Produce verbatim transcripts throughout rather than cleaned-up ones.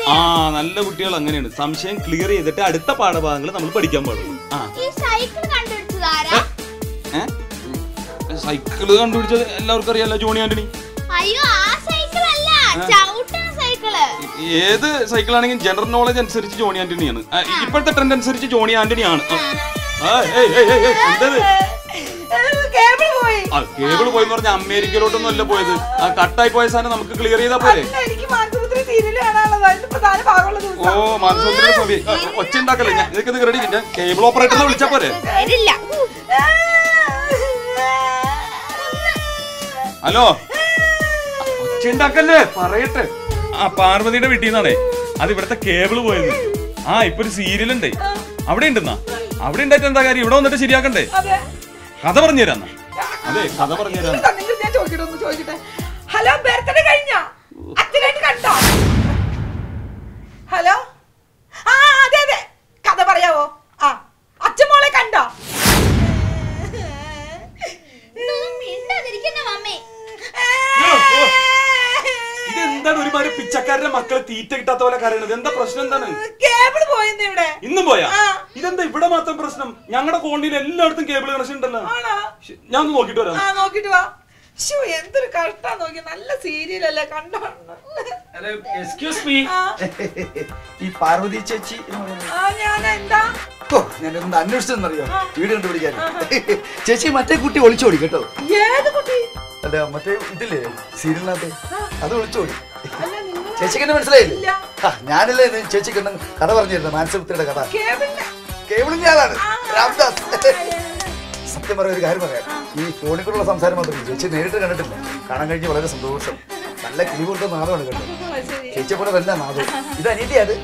ആ നല്ല കുട്ടികൾ അങ്ങനെയാണ്. സംശയം ക്ലിയർ ചെയ്തിട്ട് അടുത്ത പാഠഭാഗങ്ങൾ നമ്മൾ പഠിക്കാൻ പാടുള്ളൂ. സൈക്കിള് കണ്ടുപിടിച്ചത് എല്ലാവർക്കും അറിയാലോ, ജോണി ആന്റണി. ഏത് സൈക്കിൾ ആണെങ്കിലും ജനറൽ നോളജ് അനുസരിച്ച് ജോണി ആന്റണിയാണ്. ഇപ്പോഴത്തെ ട്രെൻഡ് അനുസരിച്ച് ജോണി ആന്റണിയാണ്. എന്തത് കേബിൾ പോയെന്ന് പറഞ്ഞ അമേരിക്കയിലോട്ടൊന്നും അല്ല പോയത്. ആ കട്ടായി പോയ സാധനം നമുക്ക് ക്ലിയർ ചെയ്താ പോലെ. ഓ മാനസപുത്രി ഒച്ച ഉണ്ടാക്കല്ലേ, ഞാൻ ഇതൊക്കെ റെഡി. ഞാൻ കേബിൾ ഓപ്പറേറ്ററിനെ വിളിച്ചാ പോരെ? ഹലോ, ഒച്ച ഉണ്ടാക്കല്ലേ, പറയട്ടെ. ആ പാർവതിയുടെ വീട്ടിൽ നിന്നാണേ അത് ഇവിടത്തെ കേബിള് പോയത്. ആ ഇപ്പൊ ഒരു സീരിയൽ ഉണ്ട്, അവിടെ ഉണ്ടെന്നാ. അവിടെ ഉണ്ടായിട്ട് എന്താ കാര്യം? ഇവിടെ വന്നിട്ട് ശരിയാക്കണ്ടേ? കഥ പറഞ്ഞു തരാന്നാ. അതെ കഥ പറഞ്ഞു തരാം. ഹലോ, ബർത്ത്ഡേ കഴിഞ്ഞോ? അച്ഛനായിട്ട് കണ്ടോ? ഹലോ, ആ അതെ അതെ, കഥ പറയാവോ? ആ അച്ഛൻ മോളെ കണ്ടോ? ഇതെന്താണ് ഒരുമാതിരി പിച്ചക്കാരുടെ മക്കളെ തീറ്റ കിട്ടാത്ത പോലെ കരയണത്? എന്താ പ്രശ്നം? എന്താണ്? കേബിൾ പോയെന്ന് ഇവിടെ. ഇന്നും പോയാ? ഇതെന്താ ഇവിടെ മാത്രം പ്രശ്നം? ഞങ്ങളുടെ കോളനിയിൽ എല്ലായിടത്തും കേബിൾ കണക്ഷൻ ഉണ്ടല്ലോ. ഞാൻ ഒന്ന് നോക്കിട്ട് വരാം. നോക്കിട്ട് വാ. എന്തൊരു കഷ്ടാ നോക്കി, നല്ല സീരിയൽ അല്ലേ കണ്ടോ? എക്സ്ക്യൂസ് മീ, ഈ പാർവതി ചേച്ചി ഞാനെന്താ ഞാനൊന്ന് അന്വേഷിച്ചെന്നറിയോ? വീട് കണ്ടുപിടിക്കാൻ. ചേച്ചി മറ്റേ കുട്ടി ഒളിച്ചോടി കേട്ടോ. ഏത് കുട്ടി? അല്ല മറ്റേ ഇതില്ലേ സീരിയലിനകത്ത്, അത് ഒളിച്ചോടി. ചേച്ചിക്ക് എന്നെ മനസ്സിലായില്ലേ? ആ ഞാനല്ലേ ചേച്ചിക്ക് കഥ പറഞ്ഞിരുന്നു, മാനസപുത്രിയുടെ കഥ. കേബിളിന്റെ ആളാണ് രാംദാസ്. സത്യം പറയാൻ ഒരു കാര്യം പറയാം, ഈ ഫോണിൽ കൂടെയുള്ള സംസാരം മാത്രമേ ചേച്ചി നേരിട്ട് കണ്ടിട്ടില്ല. കാണാൻ കഴിഞ്ഞ് വളരെ സന്തോഷം. നല്ല കിളി കൊടുത്ത നാദമാണ് കേട്ടോ. ചേച്ചിയെ പോലെ തന്നെ നാദം. ഇത് അനീതിയാണ്.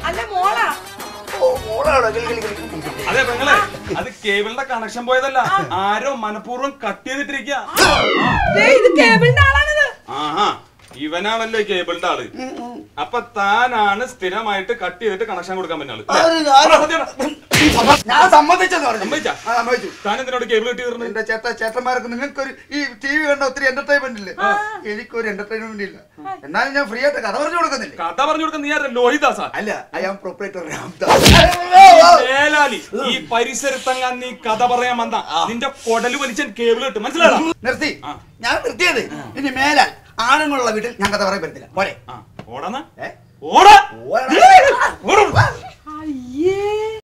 അതെ പെങ്ങളെ, അത് കേബിളിന്റെ കണക്ഷൻ പോയതല്ല, ആരോ മനഃപൂർവ്വം കട്ട് ചെയ്തിട്ടിരിക്കുക. ആഹാ, ഇവനാണല്ലോ കേബിളിന്റെ ആള്. അപ്പൊ താനാണ് സ്ഥിരമായിട്ട് കട്ട് ചെയ്തിട്ട് കണക്ഷൻ കൊടുക്കാൻ പറ്റുന്നത്. ഞാൻ സമ്മതിച്ചെന്ന് പറഞ്ഞു. താൻ എന്തിനോട് കേബിൾ കട്ട് ചെയ്തിരുന്നു? എന്റെ ചേട്ടാ ചേട്ടന്മാർക്ക് നിങ്ങൾക്കൊരു ഈ ടി വി കണ്ട ഒത്തിരി എന്റർടൈൻമെന്റ് ഇല്ലേ? എനിക്കൊരു എന്റർടൈൻമെന്റ് ഇല്ല. എന്നാലും ഞാൻ ഫ്രീ ആയിട്ട് കഥ പറഞ്ഞു കൊടുക്കുന്നില്ല. കഥ പറഞ്ഞു കൊടുക്കുന്ന നീ ആരാ? ലോഹിദാസാ? അല്ല, ഐ ആം പ്രൊപ്പറേറ്റർ രാംദാസ്. ഈ പരിസരത്തങ്ങാൻ നീ കഥ പറയാൻ വന്ന നിന്റെ കൊടല് വലിച്ചാൻ കേബിൾ കിട്ടും, മനസ്സിലായോ? നിർത്തി, ഞാൻ നിർത്തിയത്. ഇനി മേലാൽ ആണുങ്ങളുള്ള വീട്ടിൽ ഞാൻ കഥ പറയാൻ പറ്റില്ല. പോരെ ഓടാ ഓടാ.